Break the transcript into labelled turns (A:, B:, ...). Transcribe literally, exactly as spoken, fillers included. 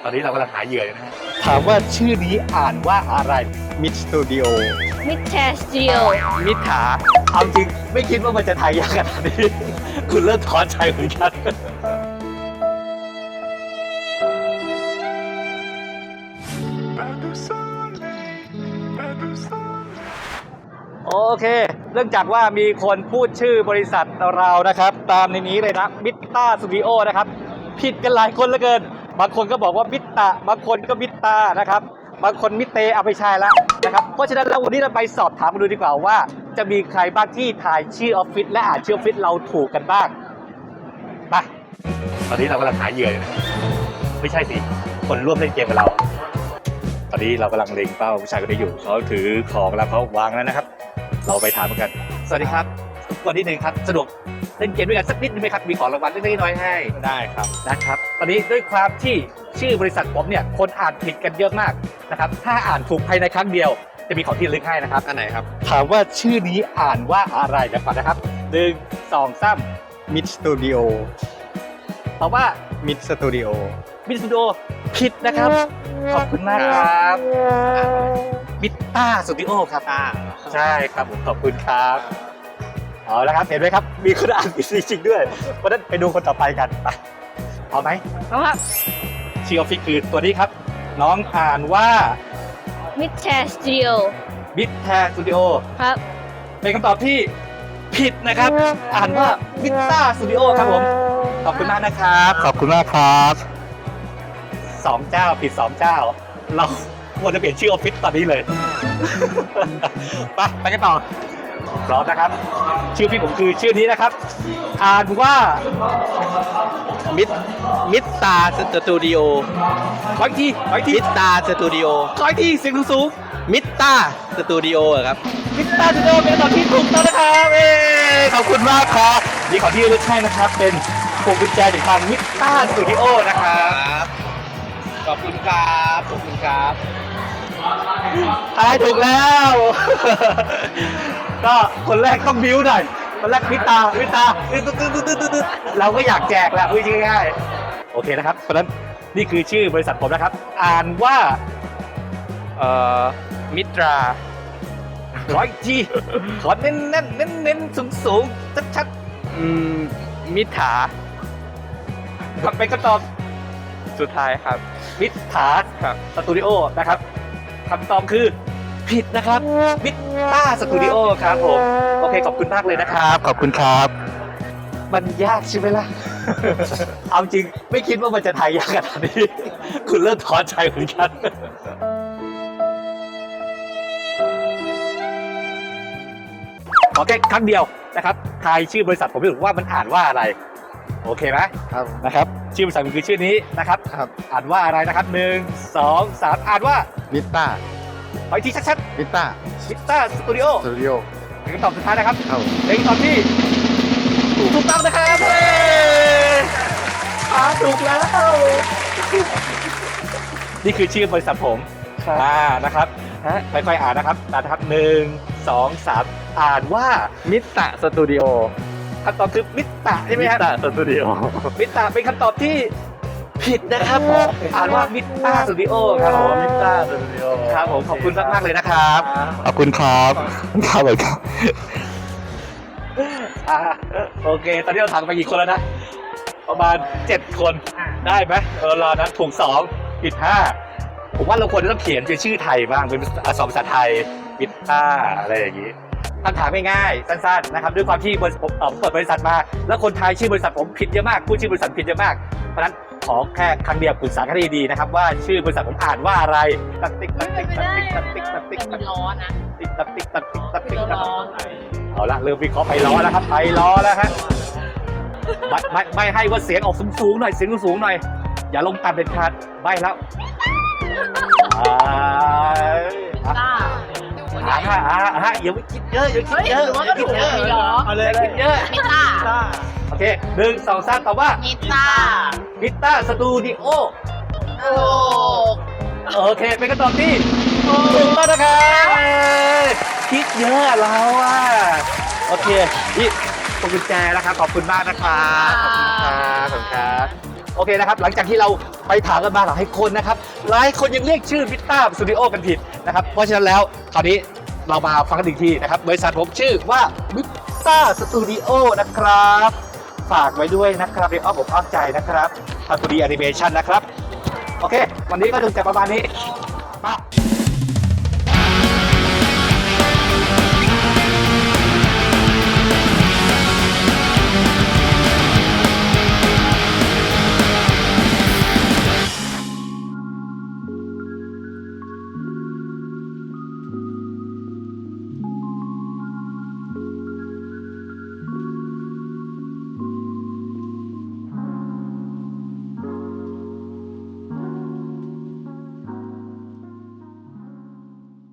A: ตอนนี้เรากำลังหาเหยื่อนะฮะ
B: ถามว่าชื่อนี้อ่านว่าอะไร
C: มิดสตูดิโอ
D: มิดแชร์สตูดิโอ
B: มิถาเอาจริงไม่คิดว่ามันจะทายยากขนาดนี้ คุณเริ่มท้อใจเหมือนกัน โอเค เนื่องจากว่ามีคนพูดชื่อบริษัทเรานะครับ ตามในนี้เลยนะมิตตาสตูดิโอนะครับผิดกันหลายคนเหลือเกิน บางคนก็บอกว่ามิตตาบางคนก็มิตตานะครับบางคนมิเตเอาไปใช้แล้วนะครับเพราะฉะนั้นแล้ววันนี้เราไปสอบถามกันดูดีกว่าว่า จะมีใครบ้างที่ถ่ายชื่อออฟฟิศและอ่านชื่อออฟฟิศเราถูกกันบ้างไปตอนนี้เรากำลังหาเหยื่ออยู่นะไม่ใช่สิคนร่วมเล่นเกมกับเรา ตอนนี้เรากำลังเล็งเป้าผู้ชายคนนี้อยู่เขาถือของแล้วเขาวางแล้วนะครับ เราไปถามกันสวัสดีครับวันที่หนึ่งครับสะดวกเล่นเกมด้วยกันสักนิดนึงไหมครับมีของรางวัลเล็กๆน้อยๆให้
C: ได้ครับ
B: นะครับตอนนี้ด้วยความที่ชื่อบริษัทผมเนี่ยคนอ่านผิดกันเยอะมากนะครับถ้าอ่านถูกภายในครั้งเดียวจะมีของที่ระลึกให้นะครับ
C: อันไหนครับ
B: ถามว่าชื่อนี้อ่านว่าอะไรเดี๋ยวก่อนนะครับหนึ่งสองสาม
C: มิดสตูดิโอ
B: ตอบว่า
C: มิดสตูดิโอ
B: มิสตูดิโอผิดนะครับขอบคุณมากครับมิตตาสตูดิโอครับ
C: อ่า
B: ใช่ครับผมขอบคุณครับเอาละครับเห็นไหมครับมีคนอ่านผิดจริงๆด้วยเพราะฉะนั้นไปดูคนต่อไปกันไปเอาไหม
D: เอาครับ
B: ชื่อออฟฟิศคือตัวนี้ครับ น้องอ่านว่า
D: มิดแชร์สตูดิโอ
B: มิดแทสตูดิโอ
D: ครับ
B: เป็นคำตอบที่ผิดนะครับ อ่านว่ามิตตาสตูดิโอครับผมขอบคุณมากนะครับขอบคุณมากครับสองเจ้าผิดสองเจ้า เราควรจะเปลี่ยนชื่อออฟฟิศตอนนี้เลย ไปไปกันต่อพร้อมนะครับ ชื่อพี่ผมคือชื่อนี้นะครับ อ่านว่า
C: มิดมิดตาสตูดิโอ
B: ขออีกทีขออีกที
C: มิดตาสตูดิโอ
B: ขออีกทีเสียงสูง
C: มิดตาสตูดิโอครับ
B: ๆมิตตาสตูดิโอเป็นคำตอบที่ถูกต้องนะครับเอ้ขอบคุณมากครับนี่ขอที่ระลึกให้นะครับ เป็นพวงกุญแจจากทางมิตตาสตูดิโอนะครับ
C: ขอบคุณครับ ขอบคุณครับ
B: ทายถูกแล้ว ก็คนแรกต้องบิ้วหน่อยคนแรกมิตตามิตตาตึ๊ดตึ๊ดตึ๊ดตึ๊ดตึ๊ดเราก็อยากแจกแหละพูดง่ายๆโอเคนะครับเพราะฉะนั้นนี่คือชื่อบริษัทผมนะครับ อ่านว่า
C: เอ่อ มิตรา
B: ขออีกทีขอเน้นเน้นเน้นเน้นสูงสูงชัดชัด
C: อืม มิถา
B: ๆทำเป็นคำตอบ
C: สุดท้ายครับ
B: มิตถา
C: ครับ
B: สตูดิโอนะครับคำตอบคือผิดนะครับมิตต้าสตูดิโอครับผมโอเคขอบคุณมากเลยนะครับขอบคุณครับมันยากใช่ไหมล่ะ เอาจริงไม่คิดว่ามันจะทายยากขนาดนี้ คุณเริ่มท้อใจเหมือนกันขอแค่ครั้งเดียวนะครับทายชื่อบริษัทผมไม่รู้ว่ามันอ่านว่าอะไรโอเคไหม
C: ครับ
B: นะครับชื่อบริษัทมันคือชื่อนี้นะครับ
C: ครับ
B: อ่านว่าอะไรนะครับหนึ่งสองสามอ่านว่า
C: มิตา
B: ขออีกทีชัด
C: มิตา
B: ๆมิตต้าสตูดิโอ
C: สตูดิโอ
B: เป็นคำตอบสุดท้ายนะครับ
C: ครับ
B: เป็นคำตอบที่ถูกต้องนะครับเฮ้ยอ่านถูกแล้วนี่คือชื่อบริษัทผมอ่านะครับฮะค่อยๆอ่านนะครับตามนะครับหนึ่งสองสามอ่านว่า
C: มิตาสตูดิโอ
B: คำตอบคือมิตตะใช่ไหมครับ
C: มิตาสตูดิโอ
B: มิตตะเป็นคำตอบที่ผิดนะครับผมอ่านว่ามิตต้าสตูดิโอครับผมมิตต้าสตูดิโอครับผมขอบคุณมากมากๆเลยนะครับขอบคุณครับครับเลยครับอ่าโอเค ตอนนี้เราถามไปกี่คนแล้วนะประมาณเจ็ดคนได้ไหมเออรอนะถูกสองผิดห้าผมว่าเราควรจะต้องเขียนเป็นชื่อไทยบ้างเป็นอักษรภาษาไทยมิตต้าอะไรอย่างนี้คำถามง่ายๆสั้นๆนะครับด้วยความที่บริษัทผมเอ่อผมเปิดบริษัทมา แล้วคนไทยชื่อบริษัทผมผิดเยอะมากพูดชื่อบริษัทผิดเยอะมากเพราะฉะนั้นขอแค่ครั้งเดียวปรึกษากันดีๆนะครับว่าชื่อบริษัทผมอ่านว่าอะไรตักติ๊กตักติ๊กตักติ๊กตักติ๊กตักติ๊กตักติ๊ก
D: ล้อนะ
B: ติ๊กตักติ๊กตักติ๊กตักติ๊กตัก
D: ล้อ
B: เอาละเริ่มวิเคราะห์ไปล้อแล้วครับไปล้อแล้วฮะไม่ไม่ไม่ให้ว่าเสียงออกสูงๆหน่อยเสียงสูงๆหน่อยอย่าลงต่ำเด็ดขาดใบแล้วอ่า
D: ต้า
B: อ่าฮะอ่าฮะอย่าไปคิดเยอะอย่าคิดเยอะอย่าคิดเยอะ
D: ไม่หรอ
B: เอาเลยคิดเยอะ
D: มิต้า
B: โอเคหนึ่งสองสามตอบว่า
D: มิต้า
B: มิต้าสตูดิโอ
D: โอ้
B: โอเคเป็นคำตอบที่ถูกต้องนะครับคิดเยอะเราอ่ะโอเคนี่พวงกุญแจนะครับขอบคุณมากนะครับขอบคุณครับขอบคุณครับโอเคนะครับ หลังจากที่เราไปถามกันมาหลายคนนะครับหลายคนยังเรียกชื่อมิตต้าสตูดิโอกันผิดนะครับเพราะฉะนั้นแล้วคราวนี้เรามาฟังกันอีกทีนะครับบริษัทผมชื่อว่ามิตต้าสตูดิโอนะครับฝากไว้ด้วยนะครับในอ้อมอกอ้อมใจนะครับทำตัวดีแอนิเมชันนะครับโอเค วันนี้ก็ถึงแต่ประมาณนี้มา